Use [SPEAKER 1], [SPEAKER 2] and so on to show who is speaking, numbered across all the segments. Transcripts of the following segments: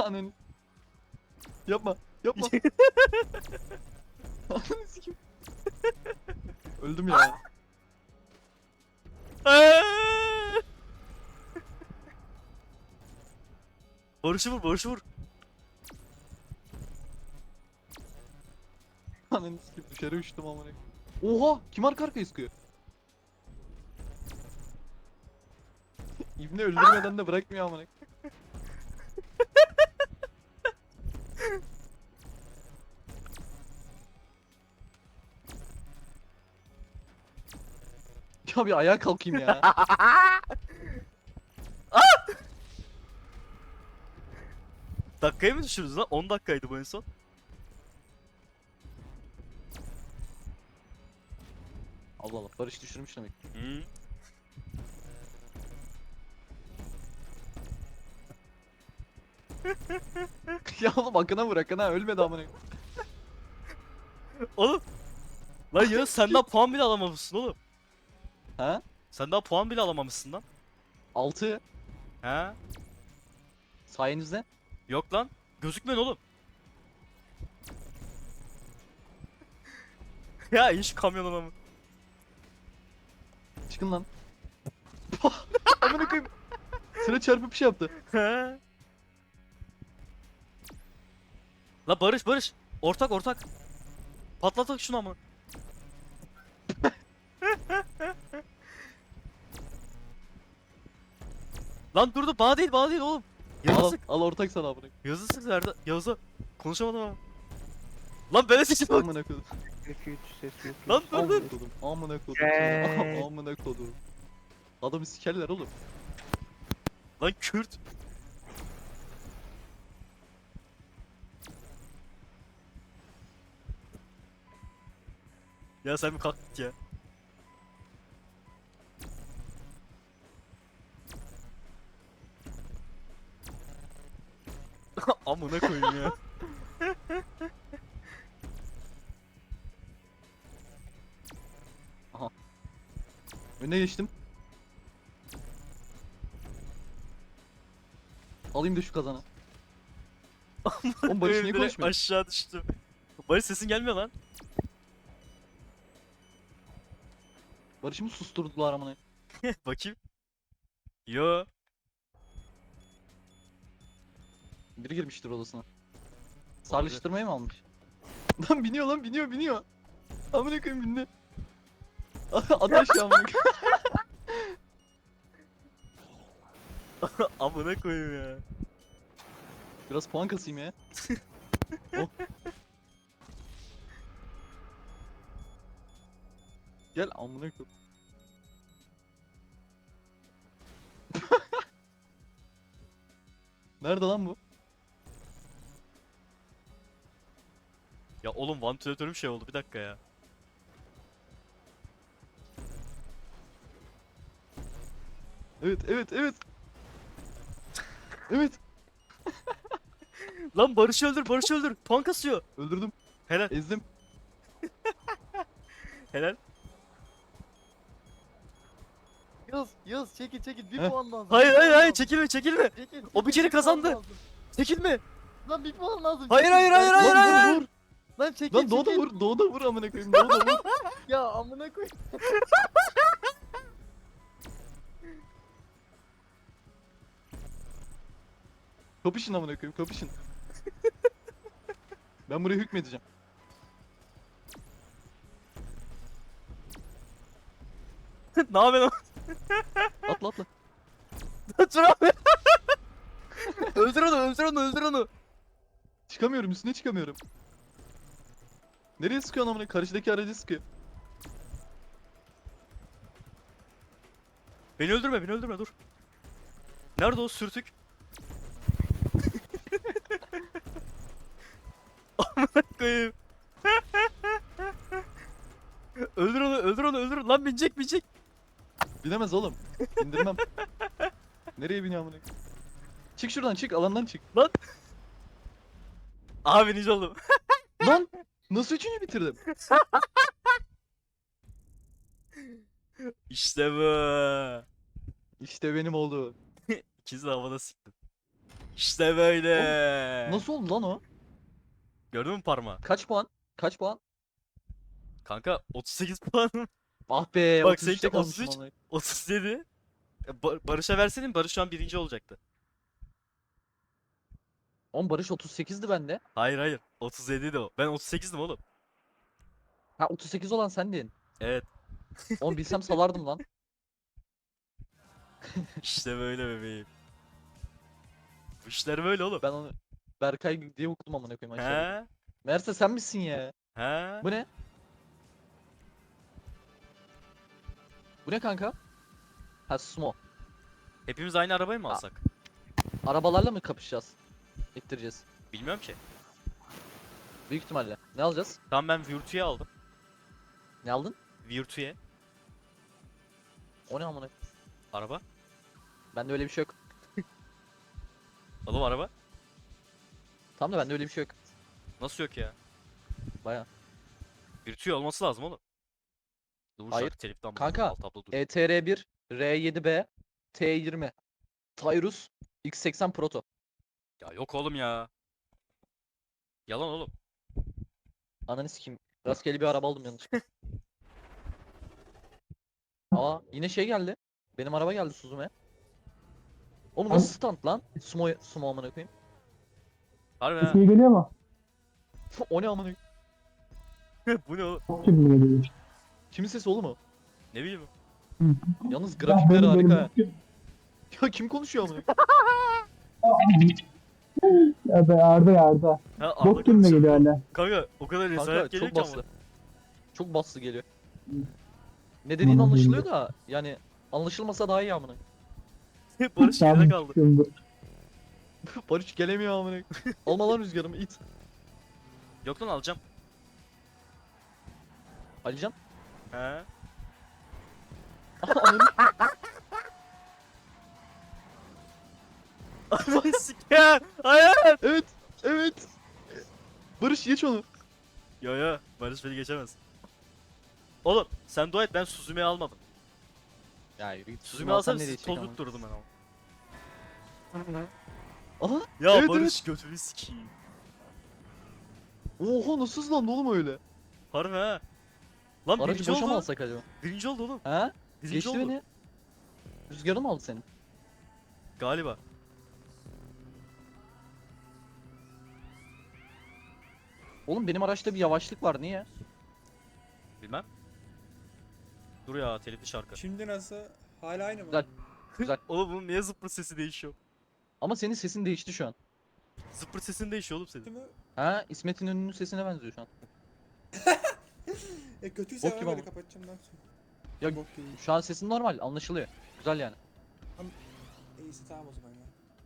[SPEAKER 1] Ananı. Yapma. Yapma. Ananı sikeyim. Öldüm ya.
[SPEAKER 2] Barış'ı vur, Barış'ı vur.
[SPEAKER 1] Ananı sikeyim dışarı uçtum amına. Oha! Kim arka arkaya sıkıyor? İbni öldürmeden de bırakmıyor amına. Ya bir ayağa kalkayım ya.
[SPEAKER 2] Dakikaya mı düşürürüz lan? 10 dakikaydı bu en son.
[SPEAKER 1] Allah Allah Barış düşürmüş demek.
[SPEAKER 2] Hı.
[SPEAKER 1] Ya oğlum Akın'a vur Akın'a ölmedi amına.
[SPEAKER 2] Oğlum. Lan ya sen daha puan bile alamamışsın oğlum.
[SPEAKER 1] Ha?
[SPEAKER 2] Sen daha puan bile alamamışsın lan.
[SPEAKER 1] 6
[SPEAKER 2] He?
[SPEAKER 1] sayenizde.
[SPEAKER 2] Yok lan. Gözükmüyor oğlum. Ya in şu kamyonuna mı?
[SPEAKER 1] Çıkın lan. Amına koyayım. Sıra çarpıp bir şey yaptı.
[SPEAKER 2] He? La Barış, Barış. Ortak, ortak. Patlatak şunu ama. Lan dur dur, bana değil, bana değil oğlum. Yağız'a
[SPEAKER 1] Al,
[SPEAKER 2] sık.
[SPEAKER 1] al ortak sana amına.
[SPEAKER 2] Yağız'a sık nerede? Yağız'a. Konuşamadım ama. Lan böyle seçim bak.
[SPEAKER 1] Amına koydum.
[SPEAKER 3] Ses yok.
[SPEAKER 2] Lan dur dur.
[SPEAKER 1] Amına koydum. Amına koydum.
[SPEAKER 3] Evet.
[SPEAKER 1] Amına koydum. Adamı sikerler oğlum.
[SPEAKER 2] Lan Kürt. Ya sen bir kalk git ya. Amına koyayım ya.
[SPEAKER 1] Önüne geçtim. Alayım da şu kazanı. Oğlum Barış niye
[SPEAKER 2] Direkt
[SPEAKER 1] konuşmuyor?
[SPEAKER 2] aşağı düştüm. Barış sesin gelmiyor lan.
[SPEAKER 1] Barış'ımı susturdular amına.
[SPEAKER 2] Bakayım. Yo.
[SPEAKER 1] Biri girmiştir odasına. Sarılıştırmayı mı almış? Lan biniyor lan biniyor. Amına koyayım bindi. At aşağı amına koyayım.
[SPEAKER 2] Amına koyayım ya.
[SPEAKER 1] Biraz puan kasayım ya. Oh. Gel amına koyayım. Nerede lan bu?
[SPEAKER 2] Ya oğlum vantilatörüm şey oldu, bir dakika ya.
[SPEAKER 1] Evet. Evet.
[SPEAKER 2] Lan Barış'ı öldür, Barış'ı öldür. Puan kasıyor.
[SPEAKER 1] Öldürdüm.
[SPEAKER 2] Helal,
[SPEAKER 1] Ezdim.
[SPEAKER 2] helal.
[SPEAKER 4] Yağız çekil bir
[SPEAKER 1] Heh.
[SPEAKER 4] puan lazım.
[SPEAKER 2] Hayır
[SPEAKER 4] bir
[SPEAKER 2] hayır
[SPEAKER 4] puan
[SPEAKER 2] hayır,
[SPEAKER 4] lazım.
[SPEAKER 2] çekilme çekilme.
[SPEAKER 4] Çekil,
[SPEAKER 2] O bir
[SPEAKER 4] çekil,
[SPEAKER 2] kere
[SPEAKER 4] puan
[SPEAKER 2] kazandı.
[SPEAKER 4] lazım.
[SPEAKER 2] Çekilme.
[SPEAKER 4] Lan bir puan lazım.
[SPEAKER 2] Hayır,
[SPEAKER 4] çekil.
[SPEAKER 2] hayır, hayır,
[SPEAKER 4] Lan-
[SPEAKER 2] hayır,
[SPEAKER 1] Lan
[SPEAKER 2] hayır.
[SPEAKER 1] vur.
[SPEAKER 4] Lan çekil
[SPEAKER 1] Lan Doğu da
[SPEAKER 4] çekil.
[SPEAKER 1] vur. Doğu da vur amına koyayım. Doğu da vur.
[SPEAKER 4] Ya amına koy.
[SPEAKER 1] Kapışın amına koyayım. Kapışın. Ben buraya hükmedeceğim.
[SPEAKER 2] Ne yapıyorsun?
[SPEAKER 1] Atla.
[SPEAKER 2] Dur abi. Öldür onu, öldür onu, öldür onu.
[SPEAKER 1] Çıkamıyorum üstüne çıkamıyorum. Nereye sıkıyorsun amına? Karşıdaki aracı sıkıyor.
[SPEAKER 2] Beni öldürme, beni öldürme, dur. Nerede o sürtük? Amına koyayım. Öldür onu, öldür onu, öldür. Lan binecek, binecek.
[SPEAKER 1] Binemez oğlum. İndirmem. Nereye biniyor amına? Çık şuradan çık alandan çık.
[SPEAKER 2] Abi nice oldum.
[SPEAKER 1] Lan nasıl üçüncü bitirdim?
[SPEAKER 2] İşte bu.
[SPEAKER 1] İşte benim oldu.
[SPEAKER 2] İkisi de havada siktim. İşte böyle.
[SPEAKER 1] Nasıl oldu lan o?
[SPEAKER 2] Gördün mü parmağı?
[SPEAKER 1] Kaç puan? Kaç puan?
[SPEAKER 2] Kanka 38 puan.
[SPEAKER 1] Ah be,
[SPEAKER 2] Bak
[SPEAKER 1] 33'te
[SPEAKER 2] seninki
[SPEAKER 1] kalmışım
[SPEAKER 2] 33,
[SPEAKER 1] vallahi.
[SPEAKER 2] 37. Barış'a verseydin Barış şu an birinci olacaktı.
[SPEAKER 1] Oğlum Barış 38'di bende.
[SPEAKER 2] Hayır hayır. 37 de o. Ben 38'dim oğlum.
[SPEAKER 1] Ha 38 olan sendin.
[SPEAKER 2] Evet.
[SPEAKER 1] Oğlum bilsem salardım lan.
[SPEAKER 2] İşte böyle bebeğim. Bu işler böyle oğlum.
[SPEAKER 1] Ben onu Berkay diye okudum amına koyayım aşağıda.
[SPEAKER 2] He?
[SPEAKER 1] Meğerse sen misin ya?
[SPEAKER 2] He?
[SPEAKER 1] Bu ne? Bu ne kanka? Ha sumo.
[SPEAKER 2] Hepimiz aynı arabayı mı
[SPEAKER 1] Aa.
[SPEAKER 2] alsak?
[SPEAKER 1] Arabalarla mı kapışacağız? İttireceğiz.
[SPEAKER 2] Bilmiyorum ki.
[SPEAKER 1] Büyük ihtimalle. Ne alacağız?
[SPEAKER 2] Tamam ben Virtu'yu aldım.
[SPEAKER 1] Ne aldın?
[SPEAKER 2] Virtu'ye.
[SPEAKER 1] O ne amına?
[SPEAKER 2] Araba.
[SPEAKER 1] Bende öyle bir şey yok.
[SPEAKER 2] Oğlum araba.
[SPEAKER 1] Tamam da bende öyle bir şey yok.
[SPEAKER 2] Nasıl yok ya?
[SPEAKER 1] Baya.
[SPEAKER 2] Virtue olması lazım oğlum. Dur
[SPEAKER 1] Hayır.
[SPEAKER 2] şarkı teliften
[SPEAKER 1] Kanka,
[SPEAKER 2] alt tablo dur.
[SPEAKER 1] ETR1, R7B, T20, Tyrus, X80 Proto.
[SPEAKER 2] Ya yok oğlum ya. Yalan oğlum.
[SPEAKER 1] Ananı sikeyim. Rastgele bir araba aldım yanlışlıkla. Aa yine şey geldi. Benim araba geldi Suzume. Oğlum nasıl stand lan? Sumo amına koyayım.
[SPEAKER 2] Harbi ha.
[SPEAKER 5] İyi geliyor mu?
[SPEAKER 1] O ne amına koyayım?
[SPEAKER 2] Bu ne oğlum?
[SPEAKER 5] Çok gibi geliyor işte.
[SPEAKER 1] Kimin sesi oğlum o?
[SPEAKER 2] Ne bileyim.
[SPEAKER 1] Yalnız grafikleri
[SPEAKER 5] Ya
[SPEAKER 1] harika. Ya kim konuşuyor amına
[SPEAKER 5] Ya be Arda ya Arda.
[SPEAKER 2] Ha
[SPEAKER 5] Bok gibi
[SPEAKER 2] konuşuyor.
[SPEAKER 5] geliyor hala.
[SPEAKER 2] Kanka o kadar
[SPEAKER 1] Kanka
[SPEAKER 2] rezalet geliyor
[SPEAKER 1] çok
[SPEAKER 2] ki
[SPEAKER 1] baslı.
[SPEAKER 2] ama.
[SPEAKER 1] Çok baslı geliyor. Ne dediğin
[SPEAKER 5] Aman
[SPEAKER 1] anlaşılıyor da yani anlaşılmasa daha iyi amına.
[SPEAKER 2] Barış geride kaldı.
[SPEAKER 5] Şimdi.
[SPEAKER 1] Barış gelemiyor amına. Alma lan rüzgarımı it.
[SPEAKER 2] Yok lan alacağım.
[SPEAKER 1] Alican.
[SPEAKER 2] He.
[SPEAKER 1] Ananı
[SPEAKER 2] Ananı siker. Hayır.
[SPEAKER 1] evet. Evet. Barış geç onu.
[SPEAKER 2] Yo Barış beni geçemez. Oğlum sen dua et ben Suzume'yi almadım.
[SPEAKER 1] Ya yürü git.
[SPEAKER 2] Suzume'yi alsam sizi toz tutturdum ben ama.
[SPEAKER 1] Aha.
[SPEAKER 2] Ya
[SPEAKER 1] Evet,
[SPEAKER 2] Barış götünü sikeyim.
[SPEAKER 1] Oha nasıl hızlandı oğlum öyle?
[SPEAKER 2] Harbi ha. Lan
[SPEAKER 1] Aracı
[SPEAKER 2] birinci
[SPEAKER 1] boşa mı
[SPEAKER 2] oldu.
[SPEAKER 1] alsak acaba?
[SPEAKER 2] Birinci oldu oğlum.
[SPEAKER 1] Ha?
[SPEAKER 2] Birinci
[SPEAKER 1] Geçti
[SPEAKER 2] oldu.
[SPEAKER 1] beni. Rüzgarı mı aldı senin?
[SPEAKER 2] Galiba.
[SPEAKER 1] Oğlum benim araçta bir yavaşlık var niye?
[SPEAKER 2] Bilmem. Dur ya telifli şarkı.
[SPEAKER 6] Şimdi nasıl? Hala aynı mı?
[SPEAKER 1] Güzel. Güzel.
[SPEAKER 2] Oğlum bunun niye zıppır sesi değişiyor?
[SPEAKER 1] Ama senin sesin değişti şu an.
[SPEAKER 2] Zıppır sesin değişiyor oğlum senin.
[SPEAKER 6] Değil mi?
[SPEAKER 1] Ha İsmet'in ünlü sesine benziyor şu an.
[SPEAKER 6] Kötüyse
[SPEAKER 1] Bok
[SPEAKER 6] ben
[SPEAKER 1] gibi
[SPEAKER 6] böyle
[SPEAKER 1] ama.
[SPEAKER 6] kapatacağım lan sonra.
[SPEAKER 1] Ya
[SPEAKER 6] Bok gibi.
[SPEAKER 1] şu an sesin normal anlaşılıyor. Güzel yani.
[SPEAKER 6] İyisi tamam o zaman ya.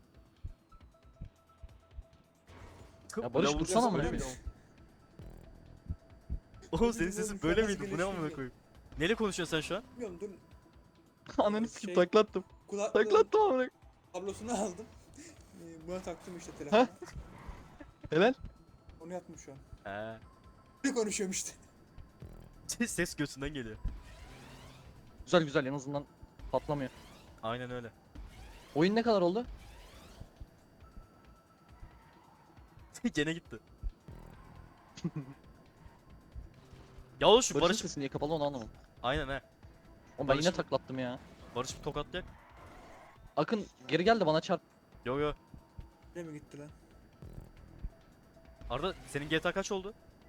[SPEAKER 1] Ya Barış
[SPEAKER 2] Lavuk
[SPEAKER 1] dursana
[SPEAKER 2] sesi
[SPEAKER 1] amına
[SPEAKER 2] böyle
[SPEAKER 1] koyayım.
[SPEAKER 2] miydi? Oğlum senin
[SPEAKER 6] Bizim
[SPEAKER 2] sesin
[SPEAKER 6] oğlum
[SPEAKER 2] böyle
[SPEAKER 6] şu an
[SPEAKER 2] miydi? Bu ne
[SPEAKER 6] nasıl
[SPEAKER 2] amına
[SPEAKER 6] gelişiyor?
[SPEAKER 2] koyayım? Neyle konuşuyorsun sen şu an?
[SPEAKER 6] Bilmiyorum dur.
[SPEAKER 1] Ananı sikeyim
[SPEAKER 6] Şey-
[SPEAKER 1] taklattım.
[SPEAKER 6] Kulaklığın
[SPEAKER 1] Taklattım amına koyayım.
[SPEAKER 6] kablosunu aldım. Buna taktım işte telefona.
[SPEAKER 1] Helal.
[SPEAKER 6] Onu yaptım şu an.
[SPEAKER 2] He.
[SPEAKER 6] Ne konuşuyorum işte.
[SPEAKER 2] Ses göğsünden geliyor.
[SPEAKER 1] Güzel güzel en azından patlamıyor.
[SPEAKER 2] Aynen öyle.
[SPEAKER 1] Oyun ne kadar oldu?
[SPEAKER 2] Gene gitti. Ya oğlum şu
[SPEAKER 1] Barış'ın
[SPEAKER 2] Barış...
[SPEAKER 1] sesi niye kapalı onu anlamadım.
[SPEAKER 2] Aynen he.
[SPEAKER 1] Oğlum ben yine
[SPEAKER 2] Barış'ın-
[SPEAKER 1] taklattım ya.
[SPEAKER 2] Barış bir tokatlayak.
[SPEAKER 1] Akın geri gel de bana çarp.
[SPEAKER 2] Yo.
[SPEAKER 6] Ne mi gitti lan?
[SPEAKER 2] Arda senin GTA kaç oldu?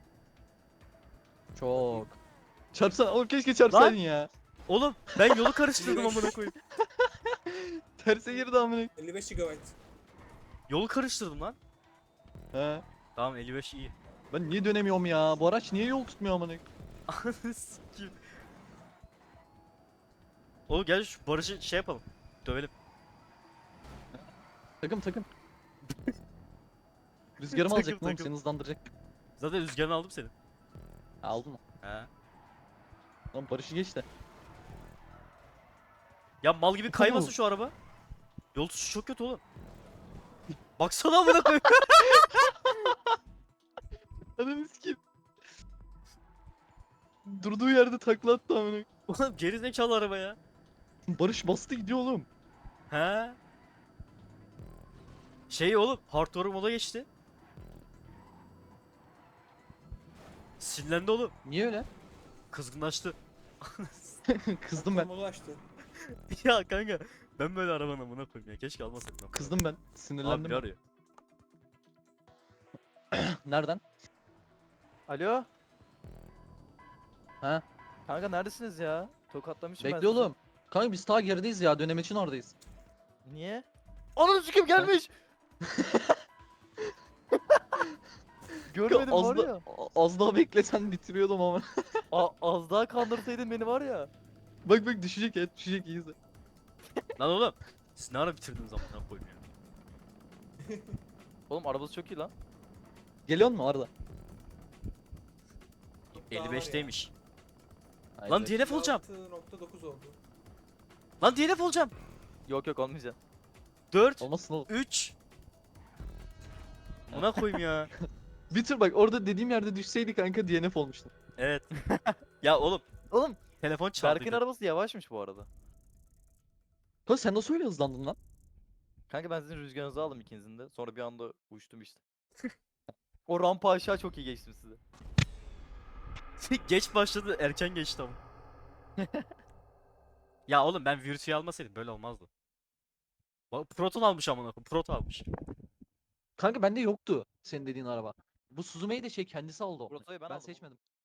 [SPEAKER 1] Çok. Çarpsana oğlum keşke çarpsaydın ya.
[SPEAKER 2] Oğlum ben yolu karıştırdım amına koyayım.
[SPEAKER 1] Terse girdi amına.
[SPEAKER 6] 55 GB.
[SPEAKER 2] Yolu karıştırdım lan.
[SPEAKER 1] He.
[SPEAKER 2] Tamam 55 iyi.
[SPEAKER 1] Ben niye dönemiyorum ya? Bu araç niye yol tutmuyor amına?
[SPEAKER 2] Ananı sikeyim. Oğlum gel şu Barış'ı şey yapalım. Dövelim.
[SPEAKER 1] Takım. Rüzgarımı
[SPEAKER 2] Takım,
[SPEAKER 1] alacaktım oğlum
[SPEAKER 2] takım.
[SPEAKER 1] seni hızlandıracak.
[SPEAKER 2] Zaten rüzgarını aldım senin.
[SPEAKER 1] Ha, aldın mı?
[SPEAKER 2] He.
[SPEAKER 1] Lan Barış'ı geç de.
[SPEAKER 2] Ya mal gibi kaymasın şu araba. Yol tutuşu çok kötü oğlum. Baksana amına koyayım.
[SPEAKER 1] Ananı sikeyim. Durduğu yerde takla attı amına.
[SPEAKER 2] Oğlum geri zekalı araba ya.
[SPEAKER 1] Barış bastı gidiyor oğlum.
[SPEAKER 2] He. Şey oğlum hard work moda geçti. Sinirlendi oğlum.
[SPEAKER 1] Niye öyle?
[SPEAKER 2] Kızgınlaştı.
[SPEAKER 1] Kızdım ben.
[SPEAKER 6] Modu açtı.
[SPEAKER 2] Ya kanka ben böyle arabanın amına koyayım ya. Keşke almasaydım. ben.
[SPEAKER 1] Kızdım ben.
[SPEAKER 2] Abi
[SPEAKER 1] Sinirlendim.
[SPEAKER 2] biri arıyor.
[SPEAKER 1] Nereden?
[SPEAKER 4] Alo.
[SPEAKER 1] Ha?
[SPEAKER 4] Kanka neredesiniz ya? Tokatlamışım ben
[SPEAKER 1] Bekle
[SPEAKER 4] sizi.
[SPEAKER 1] oğlum. Kanka biz ta gerideyiz ya. Dönem için oradayız.
[SPEAKER 4] Niye? Ananı sikim gelmiş. Görmedim
[SPEAKER 1] az,
[SPEAKER 4] var
[SPEAKER 1] da,
[SPEAKER 4] ya.
[SPEAKER 1] az daha beklesen bitiriyordum ama.
[SPEAKER 4] Az daha kandırsaydın beni var ya.
[SPEAKER 1] Bak bak düşecek ya. Düşecek iyiyiz.
[SPEAKER 2] Lan oğlum. Siz ne ara bitirdiniz amına koyayım ya.
[SPEAKER 4] Oğlum arabası çok iyi lan.
[SPEAKER 1] Geliyor mu Arda?
[SPEAKER 6] Daha var ya.
[SPEAKER 2] 55'teymiş. Lan DNF olacağım.
[SPEAKER 6] 6.9 oldu.
[SPEAKER 2] Lan DNF olacağım.
[SPEAKER 4] Yok yok olmayacak.
[SPEAKER 2] 4
[SPEAKER 1] Olmasın oğlum.
[SPEAKER 2] 3 Buna koyayım ya.
[SPEAKER 1] Bitir bak orada dediğim yerde düşseydi kanka DNF olmuştu.
[SPEAKER 2] Evet. Ya oğlum
[SPEAKER 4] Oğlum
[SPEAKER 2] telefon
[SPEAKER 4] Berk'in
[SPEAKER 2] çaldı.
[SPEAKER 4] arabası yavaşmış bu arada.
[SPEAKER 1] Kanka sen nasıl öyle hızlandın lan?
[SPEAKER 4] Kanka ben sizin rüzgarınızı aldım ikinizin de. Sonra bir anda uçtum işte. O rampa aşağı çok iyi geçtim size.
[SPEAKER 2] Geç başladı, erken geçti ama. Ya oğlum ben Virtue'yu almasaydım böyle olmazdı. Bak Proton almış amına koyayım. Proton almış.
[SPEAKER 1] Kanka bende yoktu senin dediğin araba. Bu Suzume'yi de şey kendisi aldı.
[SPEAKER 4] Proto'yu ben
[SPEAKER 1] Ben
[SPEAKER 4] aldım.
[SPEAKER 1] seçmedim.